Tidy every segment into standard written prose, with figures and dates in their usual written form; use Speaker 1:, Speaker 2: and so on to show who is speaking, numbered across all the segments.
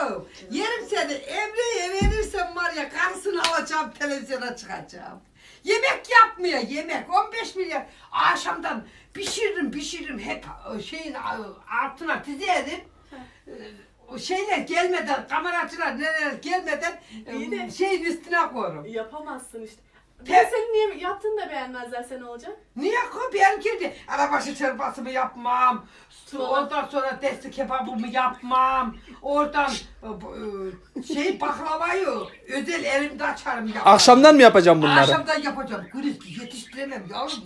Speaker 1: Kuzum. Yerim seni. Emre'ye verirsem var ya karısını alacağım televizyona çıkacağım. Yemek yapmıyor yemek. 15 milyar. Akşamdan pişiririm hep şeyin altına dizerim. O şeyler gelmeden, kameracılar neler gelmeden şeyin üstüne koyarım.
Speaker 2: Yapamazsın işte. Ben senin niye yaptığını da beğenmezlerse ne olacak?
Speaker 1: Niye ko? Ben girdi. Arabaşı çorbasımı yapmam. Ondan sonra testi kebabımı yapmam. Oradan baklavayı özel elimde açarım yaparım.
Speaker 3: Akşamdan mı yapacağım bunları?
Speaker 1: Akşamdan yapacağım. Kriz yetiştiremem yavrum.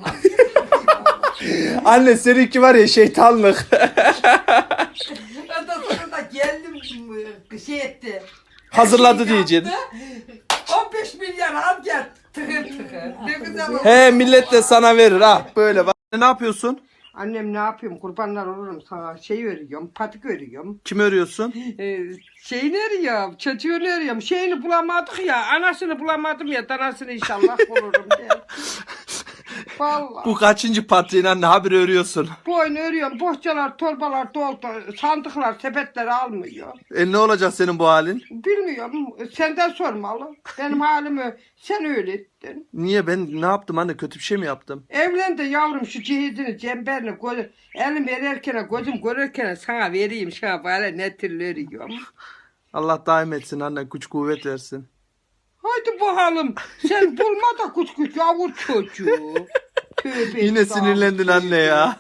Speaker 3: Anne seninki var ya şeytanlık.
Speaker 1: Ondan sonra da geldim şey etti.
Speaker 3: Hazırladı
Speaker 1: Yaptı.
Speaker 3: diyeceksin.
Speaker 1: 15 milyar al gel. Tıkır tıkır. Ne güzel oldu.
Speaker 3: He millet de sana verir ha böyle bak. Ne yapıyorsun?
Speaker 1: Annem ne yapayım kurbanlar olurum sana şey örüyorum patik örüyorum.
Speaker 3: Kim örüyorsun?
Speaker 1: Şeyini örüyorum çocuğunu örüyorum şeyini bulamadık ya anasını bulamadım ya danasını inşallah bulurum diye. Vallahi.
Speaker 3: Bu kaçıncı patiğin anne haber örüyorsun?
Speaker 1: Boynu örüyorum bohçalar torbalar doldu sandıklar sepetleri almıyor.
Speaker 3: Ne olacak senin bu halin?
Speaker 1: Bilmiyorum senden sormalı benim halimi sen öğrettin.
Speaker 3: Niye ben ne yaptım anne kötü bir şey mi yaptım?
Speaker 1: Evlendi yavrum şu cihizini cemberini elim verirken gözüm görürken sana vereyim sana böyle ne türlü örüyorum.
Speaker 3: Allah daim etsin anne güç kuvvet versin.
Speaker 1: Haydi bakalım. Sen bulma da kuş kuş yavur çocuğu. Tövbe
Speaker 3: Yine sinirlendin anne ya.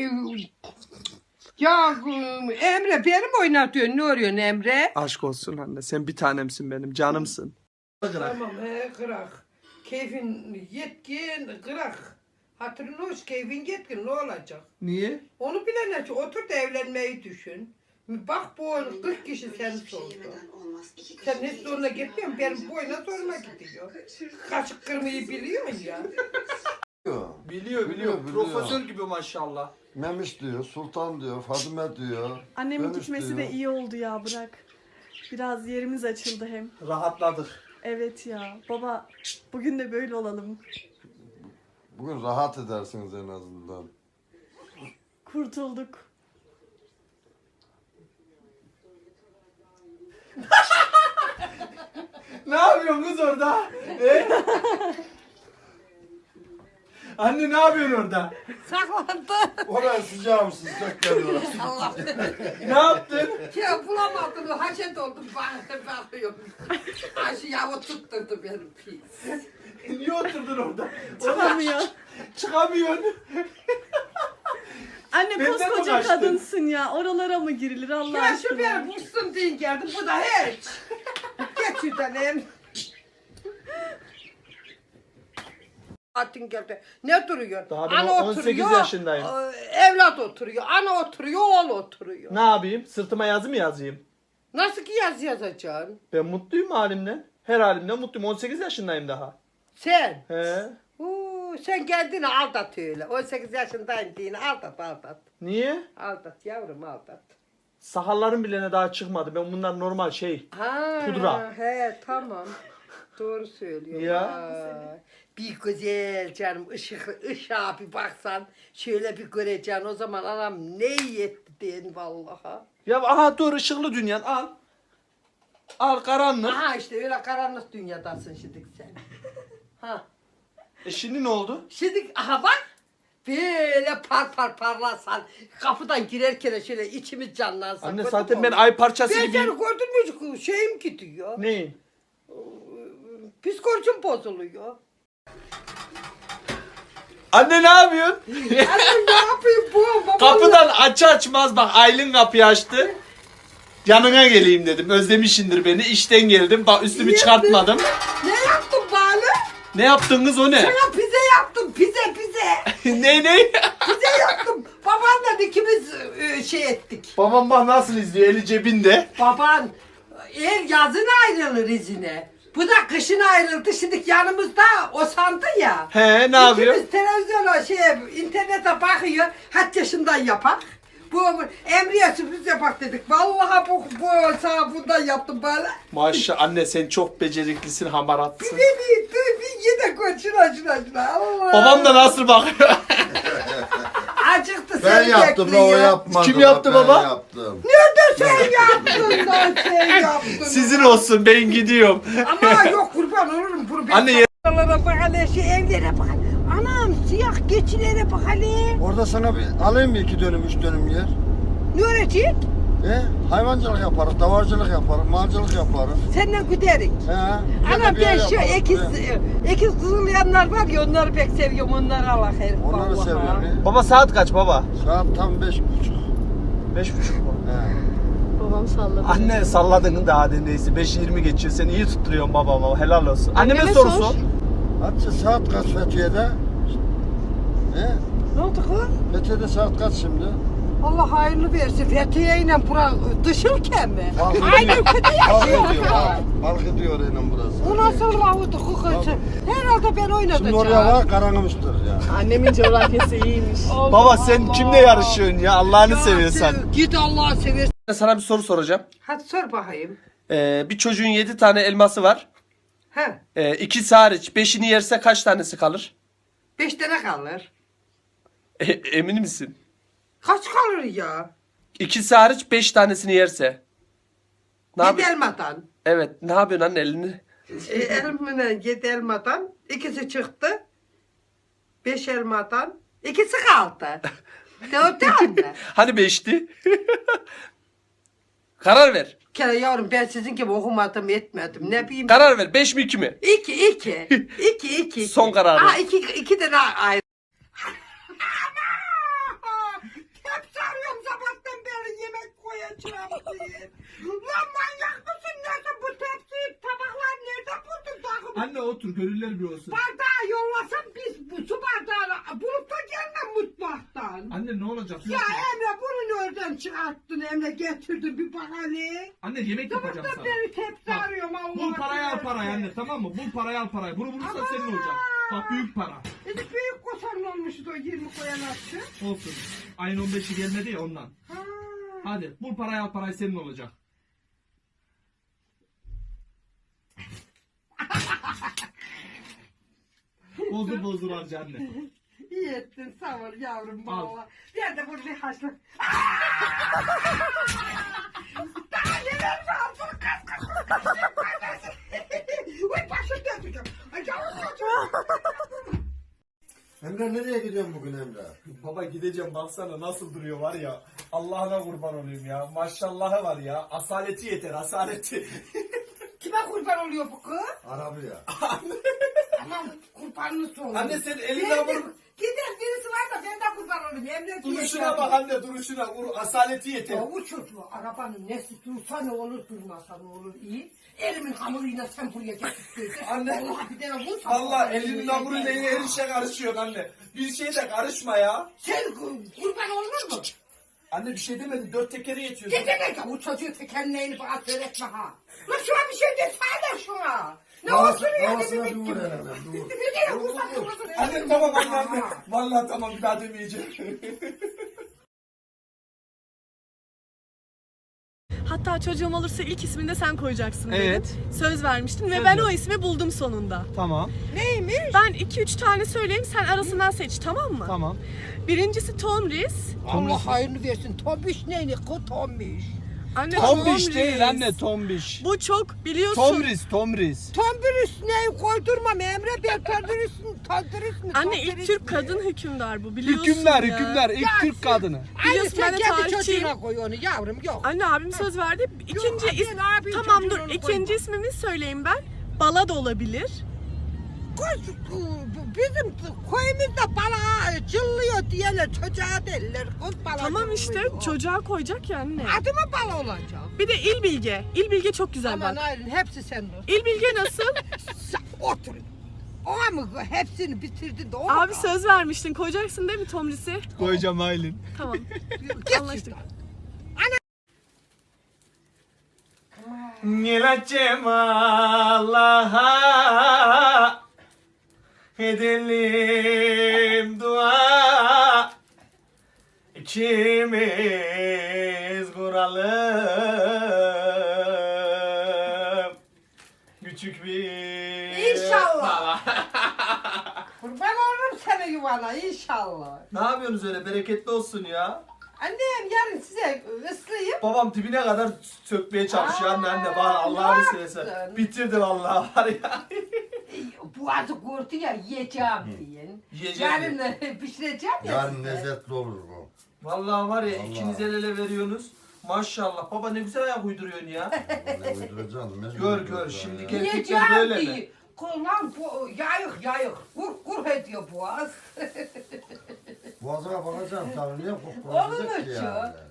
Speaker 1: Ya Emre beni mi oynatıyorsun? Ne arıyorsun Emre?
Speaker 3: Aşk olsun anne sen bir tanemsin benim canımsın.
Speaker 1: Tamam kırak. Keyfin yetkin kırak. Hatırın hoş keyfin yetkin ne olacak?
Speaker 3: Niye?
Speaker 1: Onu bilene otur da evlenmeyi düşün. Bak bu 40 kişi seni sordu. Sen hiç zoruna gitmiyorsun. Benim boyuna zoruna gidiyor. Kaşık kırmayı biliyorsun ya.
Speaker 3: Biliyor.
Speaker 4: Profesör
Speaker 3: gibi maşallah.
Speaker 4: Memiş diyor, Sultan diyor, Fadime diyor.
Speaker 2: Annemin
Speaker 4: Memiş
Speaker 2: gitmesi
Speaker 4: diyor.
Speaker 2: de iyi oldu ya bırak. Biraz yerimiz açıldı hem.
Speaker 3: Rahatladık.
Speaker 2: Evet ya baba bugün de böyle olalım.
Speaker 4: Bugün rahat edersiniz en azından.
Speaker 2: Kurtulduk.
Speaker 3: Ne yapıyorsun kız orada? Anne ne yapıyorsun orada?
Speaker 1: Saklandı.
Speaker 4: Oraya sıcağım sıcak geliyor.
Speaker 1: Allah.
Speaker 3: Ne yaptın?
Speaker 1: Ya bulamadım. Haşet oldum. Bakıyorum. Ayşe yavu tutturdu benim pis.
Speaker 3: Niye oturdun orada?
Speaker 2: Çıkamıyor.
Speaker 3: Çıkamıyorsun.
Speaker 2: Anne
Speaker 3: Benden mi
Speaker 2: koskoca
Speaker 3: kaçtın?
Speaker 2: kadınsın ya. Oralara mı girilir Allah
Speaker 1: Ya şu
Speaker 2: aşkına?
Speaker 1: beni bulsun deyin geldim. Bu da hiç. Geç şuradan em. Atın geldi. Ne duruyor?
Speaker 3: Daha ben 18 yaşındayım.
Speaker 1: Evlat oturuyor. Ana oturuyor. Oğul oturuyor.
Speaker 3: Ne yapayım? Sırtıma yazı mı yazayım?
Speaker 1: Nasıl ki yaz yazacaksın?
Speaker 3: Ben mutluyum halimden. Her halimden mutluyum. 18 yaşındayım daha.
Speaker 1: Sen.
Speaker 3: He?
Speaker 1: Sen kendini aldat öyle. 18 yaşındayım diyene aldat.
Speaker 3: Niye?
Speaker 1: Aldat yavrum aldat.
Speaker 3: Sakallarım bile daha çıkmadı. Ben bunlar normal şey.
Speaker 1: Ha,
Speaker 3: Pudra.
Speaker 1: He tamam. Doğru söylüyorsun.
Speaker 3: Ya.
Speaker 1: Vay. Bir güzel canım ışığa bir baksan şöyle bir göreceksin o zaman anam ne iyi etti diyen vallaha.
Speaker 3: Ya aha dur ışıklı dünyan al. Al karanlık.
Speaker 1: Aha işte öyle karanlık dünyadasın şimdi sen. Ha.
Speaker 3: Şimdi ne oldu?
Speaker 1: Şimdi aha bak. Böyle parlasan kapıdan girerken şöyle içimiz canlansın.
Speaker 3: Anne
Speaker 1: Gördün
Speaker 3: zaten
Speaker 1: mü
Speaker 3: ben
Speaker 1: onu?
Speaker 3: ay parçası
Speaker 1: Ben
Speaker 3: gibiyim.
Speaker 1: seni gördün mü şeyim gidiyor.
Speaker 3: Neyin?
Speaker 1: Psikolojim bozuluyor.
Speaker 3: Anne ne yapıyorsun?
Speaker 1: Annem ne yapayım bu? Babam
Speaker 3: Kapıdan açmaz bak Aylin kapıyı açtı. Yanına geleyim dedim. Özlemişindir beni. İşten geldim. Bak üstümü
Speaker 1: Niye
Speaker 3: çıkartmadım.
Speaker 1: Ne yaptın bana?
Speaker 3: Ne yaptın kız o ne?
Speaker 1: Sana pize yaptım pize.
Speaker 3: ne?
Speaker 1: Pize yaptım. Babanla ikimiz şey ettik.
Speaker 3: Babam bak nasıl izliyor eli cebinde.
Speaker 1: Baban yazın ayrılır izine. Bu da kışın ayrıldı. Şimdi yanımızda o sandı ya.
Speaker 3: He ne yapıyor?
Speaker 1: İkimiz televizyona internete bakıyor. Kaç yaşından yapak. Bu Emre'ye sürpriz yapak dedik. Vallahi bu sana bundan yaptım böyle.
Speaker 3: Maşallah anne sen çok beceriklisin hamaratsın.
Speaker 1: Bir yine koy şuna. Allah.
Speaker 3: Babam da nasıl bakıyor?
Speaker 1: Acıktı
Speaker 4: Ben
Speaker 1: seni
Speaker 4: yaptım da
Speaker 1: bekliyor.
Speaker 4: o yapmadı.
Speaker 3: Kim yaptı
Speaker 4: ben
Speaker 3: baba?
Speaker 4: yaptım.
Speaker 1: Nerede sen yaptın da? şey yaptın.
Speaker 3: Sizin olsun ben gidiyorum.
Speaker 1: Ama yok kurban olurum. Kurban.
Speaker 3: Anne ye-
Speaker 1: Buralara bak hele, şu evlere bak. Anam siyah geçilere bak hele.
Speaker 4: Orada sana bir alayım mı 2 dönüm 3 dönüm yer?
Speaker 1: Ne öğretecek?
Speaker 4: Hayvancılık yaparız, davarcılık yaparız, malcılık yaparız.
Speaker 1: Senden giderik. Ana ben şu ekiz kızılyanlar var ya onları pek seviyorum. Onları Allah herif.
Speaker 4: Onları
Speaker 1: vallahi.
Speaker 4: seviyorum.
Speaker 3: Baba saat kaç baba?
Speaker 4: Saat tam 5.30.
Speaker 3: 5.30 mu?
Speaker 2: Babam salladı.
Speaker 3: Anne salladın da hadi neyse 5.20 geçiyor. Sen iyi tutturuyorsun babama. Helal olsun. Anneme
Speaker 2: Anneme
Speaker 3: soru
Speaker 2: sor.
Speaker 3: sor.
Speaker 4: Hadi saat kaç Fethiye'de?
Speaker 1: Ne oldu kız?
Speaker 4: Fethiye'de saat kaç şimdi?
Speaker 1: Allah hayırlı versin. Fethiye ile bura dışılken mi?
Speaker 4: Fark
Speaker 1: Aynı ülkede
Speaker 4: Fark
Speaker 1: yaşıyor.
Speaker 4: ediyor. Fark ediyor aynen burası.
Speaker 1: Bu nasıl lavudu kukası? Herhalde ben oynatacağım.
Speaker 4: Şimdi oraya var karanlımıştır ya.
Speaker 2: Annemin coğrafyası iyiymiş.
Speaker 1: Allah
Speaker 3: Baba sen
Speaker 1: Allah.
Speaker 3: kimle yarışıyorsun ya Allah'ını
Speaker 1: Ya
Speaker 3: seviyorsan.
Speaker 1: Git Allah'ı seversen.
Speaker 3: Sana bir soru soracağım.
Speaker 1: Hadi sor bakayım.
Speaker 3: Bir çocuğun 7 tane elması var.
Speaker 1: He.
Speaker 3: İkisi hariç 5'ini yerse kaç tanesi kalır?
Speaker 1: 5 tane kalır.
Speaker 3: Emin misin?
Speaker 1: Kaç kalır ya?
Speaker 3: İkisi hariç 5 tanesini yerse. Ne
Speaker 1: Yedi
Speaker 3: yapıyorsun?
Speaker 1: elmadan.
Speaker 3: Evet ne yapıyorsun anne elini?
Speaker 1: Elmine 7 elmadan. İkisi çıktı. 5 elmadan. İkisi kaldı. Dört tane.
Speaker 3: Hani 5'ti? Karar ver.
Speaker 1: Kere yavrum ben sizin gibi okumadım etmedim. Ne bileyim.
Speaker 3: Karar ver 5 mi 2 mi?
Speaker 1: 2.
Speaker 3: Son kararı.
Speaker 1: Aa 2 tane ayrı. Hep sarıyorum sabahtan beri yemek koyacağım diye. Lan manyak mısın nesin bu tepsiyi tabaklar nerede buldun takımı?
Speaker 3: Anne otur gönüller bir olsun.
Speaker 1: Bardağı yollasan biz bu su bardağını bulup da gelme mutfaktan.
Speaker 3: Anne ne olacak?
Speaker 1: Ya Emre bunu nereden çıkarttın Emre getirdin bir bak hele.
Speaker 3: Anne yemek
Speaker 1: Sabahtan beri tepsi arıyorum Allah'ım.
Speaker 3: Bul parayı al parayı anne tamam mı? Bul parayı al parayı. Bunu bulursan
Speaker 1: Ama.
Speaker 3: senin olacak. Bak büyük para.
Speaker 1: Büyük kosan olmuştu o 20 koyan attı.
Speaker 3: Olsun. Ayın 15'i gelmedi ya ondan.
Speaker 1: Ha.
Speaker 3: Hadi bul parayı al parayı senin olacak. bozdur harca anne.
Speaker 1: İyi ettin sağ ol yavrum
Speaker 3: Al.
Speaker 1: valla. Ben de bunu bir haşla. Daha neler lazım kız. Uy başım dönüyor. Ay yavrum.
Speaker 4: Emre nereye gidiyorsun bugün Emre?
Speaker 3: Baba gideceğim baksana nasıl duruyor var ya. Allah'ına kurban olayım ya. Maşallahı var ya. Asaleti yeter asaleti.
Speaker 1: Kime kurban oluyor bu kız?
Speaker 4: Arabaya.
Speaker 1: Aman kurbanını sorun.
Speaker 3: Anne sen elinden vur.
Speaker 1: Gider birisi var da ben de kurban olayım. Emre diye.
Speaker 3: Duruşuna bak anne duruşuna. Vur asaleti yeter.
Speaker 1: Ya bu çocuğu arabanın nesi dursa ne olur durmasa ne olur iyi. Elimin hamuruyla sen buraya getirttirdin.
Speaker 3: Anne.
Speaker 1: Allah bir tane vursa.
Speaker 3: Valla elinin hamuruyla yine her işe karışıyor anne. Bir şeye de karışma ya.
Speaker 1: Sen kurban olur mu?
Speaker 3: Anne bir şey demedin. 4 tekeri yetiyor.
Speaker 1: Ne demek ya bu çocuğu tekerleğini bana söyletme ha. Lan şuna bir şey desene şuna. Ne olsun ya
Speaker 4: Havasına
Speaker 1: demek
Speaker 4: bir
Speaker 1: gibi.
Speaker 4: vur herhalde. Dur.
Speaker 1: Bir kere vursa durmasın.
Speaker 3: Anne tamam anne. Valla tamam bir daha demeyeceğim.
Speaker 2: Hatta çocuğum olursa ilk ismini de sen koyacaksın
Speaker 3: Evet.
Speaker 2: dedin. Söz vermiştin ve
Speaker 3: Söz
Speaker 2: ben o
Speaker 3: verdim.
Speaker 2: ismi buldum sonunda.
Speaker 3: Tamam.
Speaker 1: Neymiş?
Speaker 2: Ben 2-3 tane söyleyeyim sen arasından seç tamam mı?
Speaker 3: Tamam.
Speaker 2: Birincisi Tomris.
Speaker 1: Allah hayırlı versin. Tombiş neyini kı tombiş.
Speaker 2: Anne
Speaker 3: Tombiş değil anne tombiş.
Speaker 2: Bu çok biliyorsun.
Speaker 3: Tomris.
Speaker 1: Tombiş neyi koydurmam Emre ben tombiş mi?
Speaker 2: Anne ilk Türk kadın hükümdar bu biliyorsun
Speaker 3: Hükümler
Speaker 2: ya.
Speaker 3: hükümler ilk
Speaker 1: Ya
Speaker 3: Türk kadını.
Speaker 1: Aynı
Speaker 2: Biliyorsun ben
Speaker 1: sen
Speaker 2: de
Speaker 1: kendi
Speaker 2: tarihçiyim.
Speaker 1: çocuğuna koy onu yavrum yok.
Speaker 2: Anne abim söz verdi. İkinci
Speaker 1: ben abim
Speaker 2: tamam dur
Speaker 1: çocuğuna onu
Speaker 2: ikinci
Speaker 1: koymam.
Speaker 2: ismimi söyleyeyim ben. Bala da olabilir.
Speaker 1: Bizim koyumuzda bala cıllıyor diyeler çocuğa derler. Kız bala
Speaker 2: Tamam işte
Speaker 1: cıllıyor.
Speaker 2: çocuğa koyacak ya anne.
Speaker 1: Adı mı bala olacak?
Speaker 2: Bir de İlbilge. İlbilge çok güzel
Speaker 1: Aman
Speaker 2: bak.
Speaker 1: ayrın hepsi sende.
Speaker 2: İlbilge nasıl?
Speaker 1: Otur. O mı hepsini bitirdin de o mu
Speaker 2: Abi
Speaker 1: kaldı?
Speaker 2: söz vermiştin. Koyacaksın değil mi Tomris'i?
Speaker 3: Koyacağım Aylin.
Speaker 2: Tamam.
Speaker 1: Git
Speaker 2: Anlaştık.
Speaker 3: Geleceğim Allah'a edelim dua İkimiz kuralım küçük bir
Speaker 1: İnşallah. Kurban olurum sana yuvana inşallah.
Speaker 3: Ne yapıyorsunuz öyle bereketli olsun ya?
Speaker 1: Annem yarın size ıslayayım.
Speaker 3: Babam dibine kadar sökmeye çalışıyor anne bana Allah'ını
Speaker 1: ne
Speaker 3: seversen.
Speaker 1: yaptın?
Speaker 3: Bitirdi vallahi var ya.
Speaker 1: Boğazı kurtu ya yiyeceğim diyin.
Speaker 3: Yiyeceğim
Speaker 1: Yarın pişireceğim ya
Speaker 4: Yarın
Speaker 1: size.
Speaker 4: lezzetli olur bu.
Speaker 3: Vallahi var ya
Speaker 4: Vallahi.
Speaker 3: ikiniz el ele veriyorsunuz. Maşallah baba ne güzel ayak uyduruyorsun ya.
Speaker 4: Ne uyduracaksın? mecbur
Speaker 3: Gör,
Speaker 4: uyduracaksın
Speaker 3: şimdi
Speaker 4: ya.
Speaker 3: gel.
Speaker 1: Yiyeceğim
Speaker 3: böyle mi?
Speaker 1: diye. Lan bu yayık. Kur ediyor boğaz.
Speaker 4: Boğazına bakacağım tabii niye
Speaker 1: Olur mu
Speaker 4: koklayacak ki
Speaker 1: şu?
Speaker 4: yani.